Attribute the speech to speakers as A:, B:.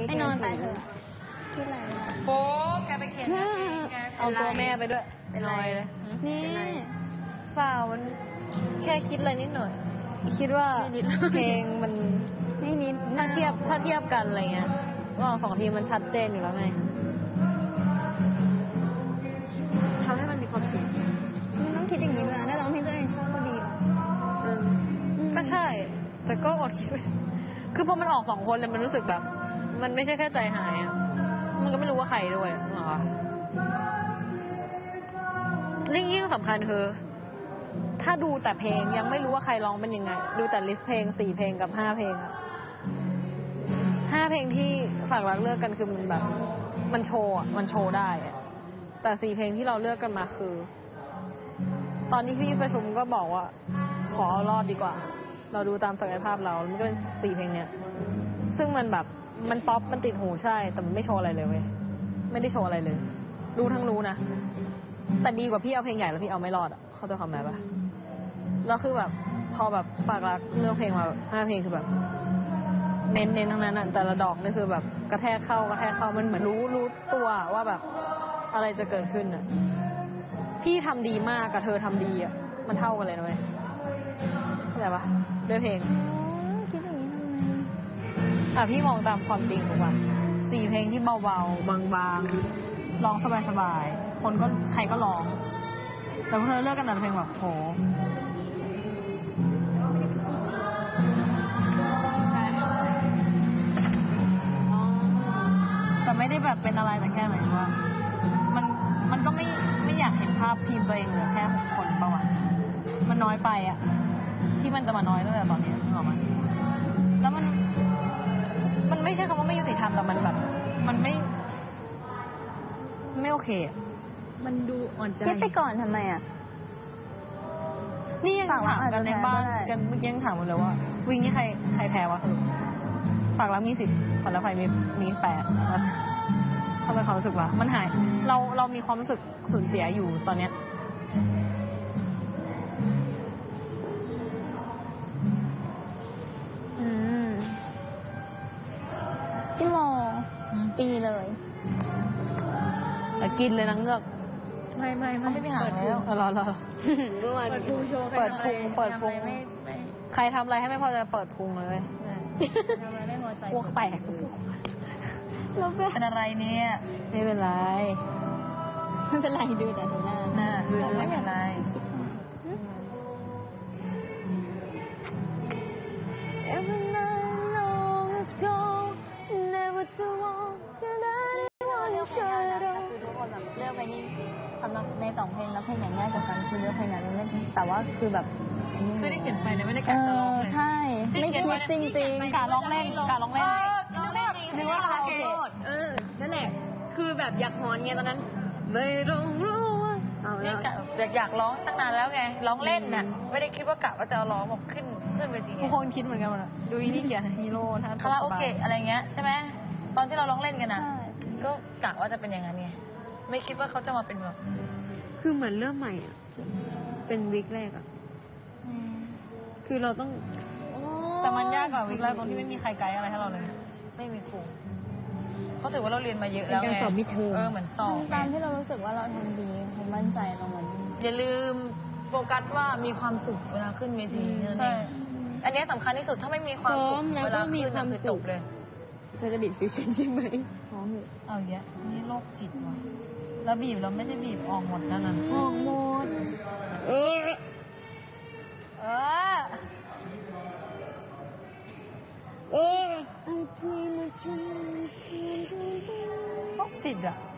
A: ไม่นอนไปเถอะคิดอะไร
B: โป๊แกไปเขียนเอาตัวแม่ไปด้วยเป็นรอยเลย
A: นี่
B: เปล่ามันแค่คิดอะไรนิดหน่อยคิดว่าเพลงมัน
A: ไม่นิด
B: ถ้าเทียบกันอะไรเงี้ยว่าสองทีมมันชัดเจนอยู่แล้วไงทำให้มันมีความสุข
A: มันต้องคิดอย่างนี้นะถ้าร้องเพลงตัวเองชอบก็ดีหรอ
B: ก็ใช่แต่ก็อดคิดคือพอมันออกสองคนเลยมันรู้สึกแบบมันไม่ใช่แค่ใจหายอ่ะมันก็ไม่รู้ว่าใครด้วยหรอยิ่งสำคัญคือถ้าดูแต่เพลงยังไม่รู้ว่าใครร้องเป็นยังไงดูแต่ลิสต์เพลง4 เพลงกับ5 เพลงอะ5 เพลงที่ฝากรักเลือกกันคือมันแบบมันโชว์อะมันโชว์ได้อะแต่4 เพลงที่เราเลือกกันมาคือตอนนี้พี่ประชุมก็บอกว่าขอเอารอดดีกว่าเราดูตามศักยภาพเรามันก็เป็น4 เพลงเนี้ยซึ่งมันแบบมันป๊อปมันติดหูใช่แต่มันไม่โชว์อะไรเลยเว้ยไม่ได้โชว์อะไรเลยรู้ทั้งรู้นะแต่ดีกว่าพี่เอาเพลงใหญ่แล้วพี่เอาไม่รอดอ่ะเข้าใจความหมายปะแล้วคือแบบพอแบบฝากรักเลือกเพลงมา5 เพลงคือแบบเน้นทั้งนั้นอ่ะแต่ละดอกนี่คือแบบกระแทกเข้ามันเหมือนรู้ตัวว่าแบบอะไรจะเกิดขึ้นอ่ะพี่ทำดีมากกับเธอทำดีอ่ะมันเท่ากันเลยนะเว้ยเข้าใจปะด้วยเพลง
A: คิดอย่างนี้ทำไม
B: พี่มองตามความจริงถูกป่ะ4 เพลงที่เบาๆบางๆร้องสบายๆคนก็ใครก็ร้องแต่พอเธอเลือกกันแต่เพลงแบบโหแต่ไม่ได้แบบเป็นอะไรแต่แค่หมายถึงว่ามันก็ไม่อยากเห็นภาพทีมตัวเองเหลือแค่6 คนประวัติมันน้อยไปอ่ะที่มันจะมาน้อยตั้งแต่ตอนนี้นึกออกไหมแล้วมันไม่ใช่คำว่าไม่ยุติธรรมแต่มันแบบมันไม่โอเค
A: มันดูอ่อนใจคิดไปก่อนทำไมอ่ะ
B: นี่ยังถามกันในบ้านกันเมื่อกี้ยังถามกันเลยว่าวิ่งนี่ใครแพ้วะฝากรักมี10ฝันแล้วไฟมี8แล้วทำไมความรู้สึกว่ามันหายเรามีความรู้สึกสูญเสียอยู่ตอนเนี้ย
A: พี่โมตีเลย
B: แต่กินเลยนังเงือก
A: ไม่ไปหาแล้ว
B: รอ
A: เปิดพุงโชว์
B: เปิดพุงใครทำอะไรให้ไม่พอจะเปิดพุงเลยพวกแตกเป็นอะไรเนี่ยไม่เป็นไร
A: ดูแต่หน้า
B: ดูไม่เป็นไร
A: เลือกไปนี่สำหรับใน2 เพลงแล้วเพลงไหนง่ายกว่ากันคือเลือกเพลงไหนเล่นแต่ว่าคือแบบ
B: คือได้เขียนไปนะไม่ได้กะจะร้องเลย
A: ใช่ไม่คิดจริง
B: ๆกะร้องเล่น
A: นึกว่าคาราโอเกะ
B: นั่นแหละคือแบบอยากฮอนไงตอนนั้นไม่ต้องรู้อยากร้องตั้งนานแล้วไงร้องเล่นน่ะไม่ได้คิดว่ากะว่าจะร้องบอกขึ้นไปทีทุกคนคิดเหมือนกันหมดอ่ะดูนี่เขียนฮีโร่คาราโอเกะอะไรเงี้ยใช่ไหมตอนที่เราร้องเล่นกันน่ะก็กะว่าจะเป็นอย่างนั้นไงไม่คิดว่าเขาจะมาเป็นแบบ
C: คือเหมือนเริ่มใหม่อ่ะเป็นวิกแรกอ่ะคือเราต้อง
B: แต่มันยากกว่าวิกแรกตรงที่ไม่มีใครไกด์อะไรให้เราเลยไม่มีครูเขาถือว่าเราเรียนมาเยอะแล้วไง
C: สอบมิดเทอม
B: เหมือนสอบ
A: ตามที่เรารู้สึกว่าเราทำดีเขามั่นใจตรงนั้น
B: อย่าลืมโฟกัสว่ามีความสุขเวลาขึ้นเวทีใช่อันนี้สำคัญที่สุดถ้าไม่มีความสุขเวลาขึ้นคือจบเลย
C: เธอจะบีบฟิวชั่นใช่ไหม
B: พร้อมเลยเอาเยอะนี่โรคจิตว่ะแล้วบีบเราไม่ได้บีบออกหมดนั่นน่ะ
A: ออกหมด
B: โรคจิตอ่ะ